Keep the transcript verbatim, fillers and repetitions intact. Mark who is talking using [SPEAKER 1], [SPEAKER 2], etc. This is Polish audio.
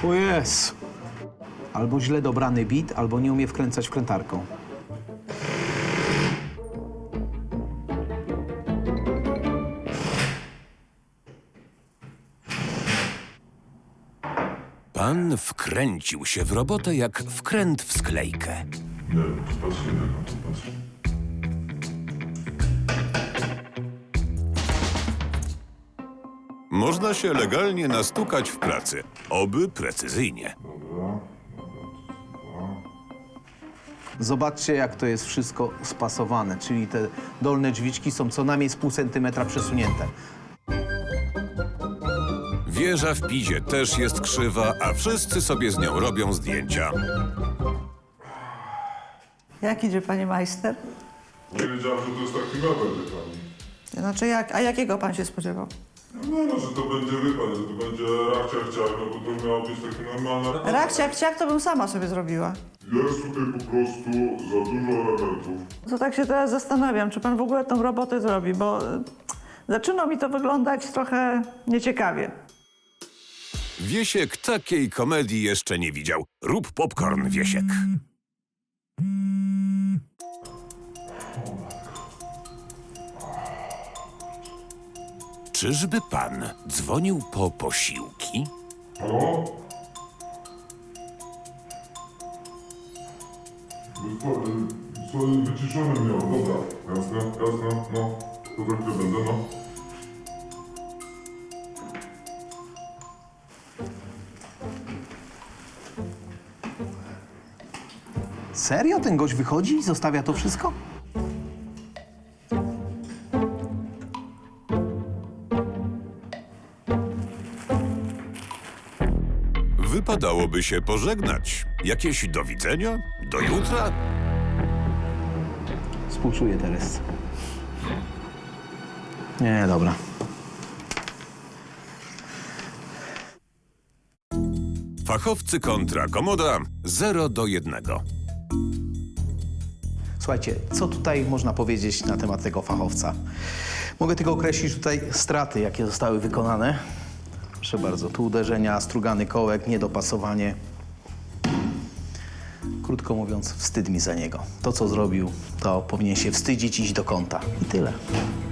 [SPEAKER 1] O Jezu. Albo źle dobrany bit, albo nie umie wkręcać wkrętarką.
[SPEAKER 2] Pan wkręcił się w robotę jak wkręt w sklejkę.
[SPEAKER 3] Nie wiem, patrz jednego, patrz.
[SPEAKER 2] Można się legalnie nastukać w pracy, oby precyzyjnie.
[SPEAKER 3] Dobra.
[SPEAKER 1] Zobaczcie, jak to jest wszystko spasowane, czyli te dolne drzwiczki są co najmniej z pół centymetra przesunięte.
[SPEAKER 2] Wieża w Pizie też jest krzywa, a wszyscy sobie z nią robią zdjęcia.
[SPEAKER 4] Jak idzie, panie majster?
[SPEAKER 3] Nie wiedziałem, że to jest taki mebel, wie pani.
[SPEAKER 4] Znaczy, jak, a jakiego pan się spodziewał?
[SPEAKER 3] No, no, że to będzie, wie pani, że to będzie rachciach ciach, no bo to miało być takie normalne...
[SPEAKER 4] Rachciak, ciak, to bym sama sobie zrobiła.
[SPEAKER 3] Jest tutaj po prostu za dużo elementów.
[SPEAKER 4] To tak się teraz zastanawiam, czy pan w ogóle tą robotę zrobi, bo y, zaczyna mi to wyglądać trochę nieciekawie.
[SPEAKER 2] Wiesiek takiej komedii jeszcze nie widział. Rób popcorn, Wiesiek. Czyżby pan dzwonił po posiłki?
[SPEAKER 3] Halo? Co, co wyciszone miał, dobra. Jasne, jasne, no. To tak nie będę, no.
[SPEAKER 1] Serio? Ten gość wychodzi i zostawia to wszystko?
[SPEAKER 2] Wypadałoby się pożegnać. Jakieś do widzenia? Do jutra?
[SPEAKER 1] Współczuję Teresce. Nie, dobra.
[SPEAKER 2] Fachowcy kontra komoda zero do jednego.
[SPEAKER 1] Słuchajcie, co tutaj można powiedzieć na temat tego fachowca? Mogę tylko określić tutaj straty, jakie zostały wykonane. Proszę bardzo, tu uderzenia, strugany kołek, niedopasowanie. Krótko mówiąc, wstyd mi za niego. To, co zrobił, to powinien się wstydzić, iść do kąta. I tyle.